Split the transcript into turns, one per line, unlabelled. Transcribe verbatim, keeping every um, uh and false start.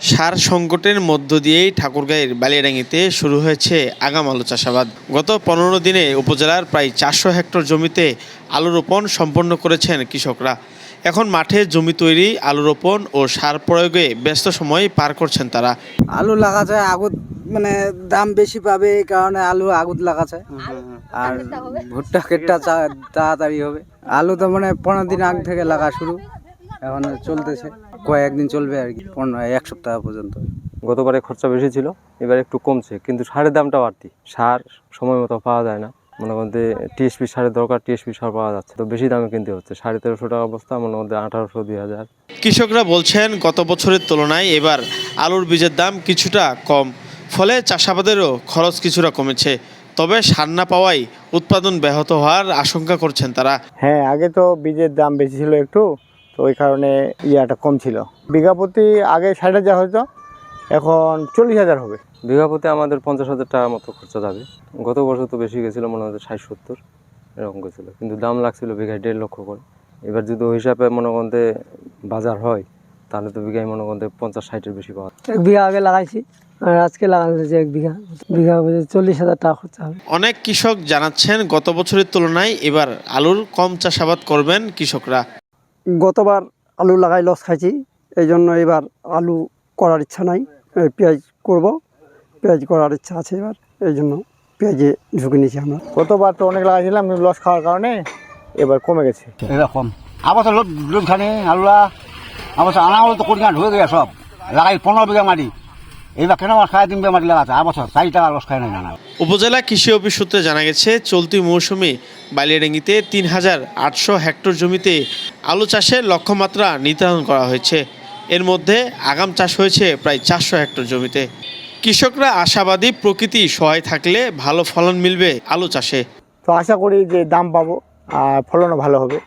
সার সংকটের মধ্য দিয়েই ঠাকুরগাঁয়ের বালিয়াডাঙ্গিতে শুরু হয়েছে আগাম আলু চাষাবাদ। গত পনেরো দিনে উপজেলার প্রায় চারশো হেক্টর জমিতে আলু রোপণ সম্পন্ন করেছেন কৃষকরা। এখন মাঠে জমি তৈরি, আলু রোপণ ও সার প্রয়োগে ব্যস্ত সময় পার করছেন তারা।
আলু লাগাছে আগুত মানে দাম বেশি পাবে এই কারণে আলু আগুত লাগাছে। আর ভুট্টা কেটটা তাড়াতাড়ি হবে। আলু তো মানে পনেরো দিন আগ থেকে লাগা শুরু, এখন চলতেছে, কয়েকদিন চলবে আর কি, পনেরো এক সপ্তাহ পর্যন্ত।
গতবারে খরচা বেশি ছিল, এবার একটু কমছে, কিন্তু সারের দামটা বাড়তি। সার সময় মতো পাওয়া যায় না, মনে করতে টিএসপি সারের দরকার, টিএসপি সার পাওয়া যাচ্ছে তো বেশি দামে কিনতে হচ্ছে। সাড়ে তেরোশো টাকা অবস্থা, মনে করতে আঠারোশো দুই হাজার।
কৃষকরা বলছেন গত বছরের তুলনায় এবার আলুর বীজের দাম কিছুটা কম, ফলে চাষাবাদেরও খরচ কিছুটা কমেছে। তবে সার না পাওয়ায় উৎপাদন ব্যাহত হওয়ার আশঙ্কা করছেন তারা।
হ্যাঁ, আগে তো বীজের দাম বেশি ছিল একটু, তো ওই কারণে ইয়াটা কম ছিল। বিঘা প্রতি আগে ষাট হাজার হয়তো, এখন চল্লিশ হাজার হবে।
বিঘা প্রতি আমাদের পঞ্চাশ হাজার টাকার মতো খরচা যাবে। গত বছর তো বেশি গেছিলো, মনে হচ্ছে ষাট সত্তর এরকম গেছিলো, কিন্তু দাম লাগছিল বিঘায় দেড় লক্ষ করে। এবার যদি ওই হিসাবে মনে করতে বাজার হয়, তাহলে তো বিঘায় মনে করতে পঞ্চাশ ষাটের বেশি পাওয়া।
এক বিঘা আগে লাগাইছি আর আজকে লাগাইছি এক বিঘা, বিঘা চল্লিশ হাজার টাকা খরচা হবে।
অনেক কৃষক জানাচ্ছেন গত বছরের তুলনায় এবার আলুর কম চাষাবাদ করবেন কৃষকরা।
গতবার আলু লাগাই লস খাইছি, এই জন্য এবার আলু করার ইচ্ছা নাই, পেঁয়াজ করব, পেঁয়াজ করার ইচ্ছা আছে এবার, এই জন্য পেঁয়াজে ঝুঁকে নিয়েছি আমরা।
গতবার তো অনেক লাগাইছিলাম, লস খাওয়ার কারণে এবার কমে গেছে।
এরকম আবার লোক লোক খানে আলুরা আবার আনা হলো তো কোটি ঢুকে গেছে সব, লাগাই পনেরো বিঘা মাটি, এইবার কেন আমার সাড়ে তিন বিঘা মাটি লাগাচ্ছে, আবার চারি টাকা লস খায় নাই না।
উপজেলা কৃষি অফিস সূত্রে জানা গেছে, চলতি মৌসুমে বালিয়াডাঙ্গিতে তিন হাজার আটশো হেক্টর জমিতে আলু চাষের লক্ষ্যমাত্রা নির্ধারণ করা হয়েছে। এর মধ্যে আগাম চাষ হয়েছে প্রায় চারশো হেক্টর জমিতে। কৃষকরা আশাবাদী, প্রকৃতি সহায় থাকলে ভালো ফলন মিলবে আলু চাষে।
তো আশা করি যে দাম পাবো আর ফলনও ভালো হবে।